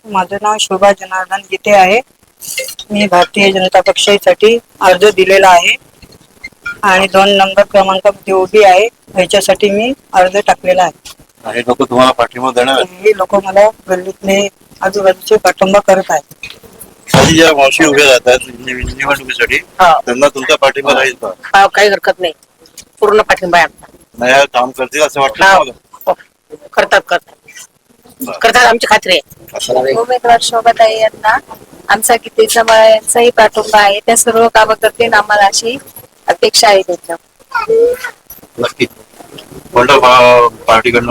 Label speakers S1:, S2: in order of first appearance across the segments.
S1: माझं नाव शोभा जनार्दन गीते आहे. मी भारतीय जनता पक्षासाठी अर्ज दिलेला आहे आणि 2 नंबर क्रमांकामध्ये उभी आहे. ह्याच्यासाठी मी अर्ज टाकलेला आहे.
S2: हे लोक तुम्हाला पाठिंबा देणार आहेत?
S1: हे लोक मला गल्लीतले आजूबाजूचे पाठिंबा करत आहेत.
S2: आधी ज्या मावशी उभ्या राहतात निवडणुकीसाठी त्यांना तुमचा पाठिंबा राहील का?
S3: काही हरकत नाही, पूर्ण पाठिंबा आहे आमचा.
S2: नाही काम करतील असं वाटतं?
S3: करतात आमची खात्री आहे.
S4: उमेदवार शोभाताई यांना आमचा गीतेचा यांचाही पाठिंबा आहे. त्या सर्व कामं करतील आम्हाला अशी अपेक्षा आहे त्याच्या.
S2: नक्की. कोणत्या पार्टीकडनं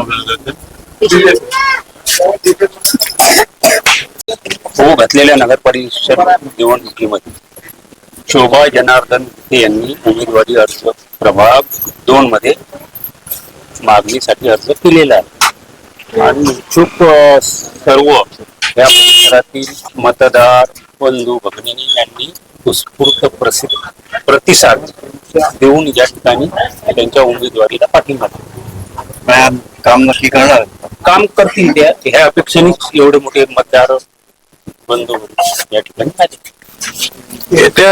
S5: हो घातलेल्या नगर परिषद निवडणुकीमध्ये शोभा जनार्दन गीते यांनी उमेदवारी अर्ज प्रभाग 2 मध्ये मागणीसाठी अर्ज केलेला आहे आणि इच्छुक सर्व या परिसरातील मतदार बंधू भगिनी यांनी उत्स्फूर्त प्रतिसाद देऊन या ठिकाणी त्यांच्या उमेदवारीला पाठिंबा दिला.
S2: काम नक्की करणार?
S5: काम करतील त्या ह्या अपेक्षेनेच एवढे मोठे मतदार बंधू या ठिकाणी आले.
S6: येत्या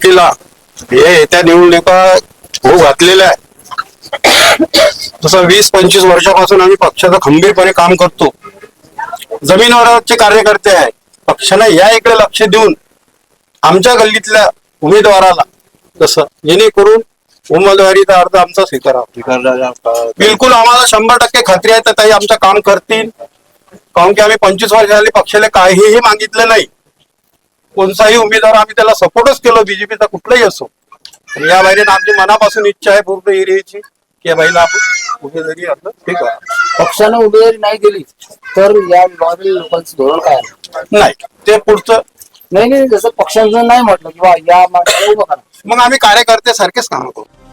S6: निवडणुका होऊ घातलेल्या आहे. जसं 20-25 वर्षापासून आम्ही पक्षाचं खंबीरपणे काम करतो. जमिनीवरचे कार्यकर्ते आहे. पक्षाला या इकडे लक्ष देऊन आमच्या गल्लीतल्या उमेदवाराला जसं जेणेकरून उमेदवारीचा अर्ज आमचा स्वीकारावा. बिलकुल आम्हाला 100% खात्री आहे तर ताई आमचं काम करतील. कारण की आम्ही 25 वर्ष झाली पक्षाला काहीही मागितलं नाही. कोणताही उमेदवार आम्ही त्याला सपोर्टच केलो, बीजेपीचा कुठलाही असो. या बाहेर आमची मनापासून इच्छा आहे पूर्ण एरियाची की या बाईला आपण उमेदवारी अर्ज ठीक आहे.
S7: पक्षानं उमेदवारी नाही दिली तर या लॉबी लोकांचं धोरण काय
S6: नाही ते पुढचं
S7: नाही. जसं पक्षांचं नाही म्हटलं किंवा या
S6: मग आम्ही कार्यकर्ते सारखेच काम करू.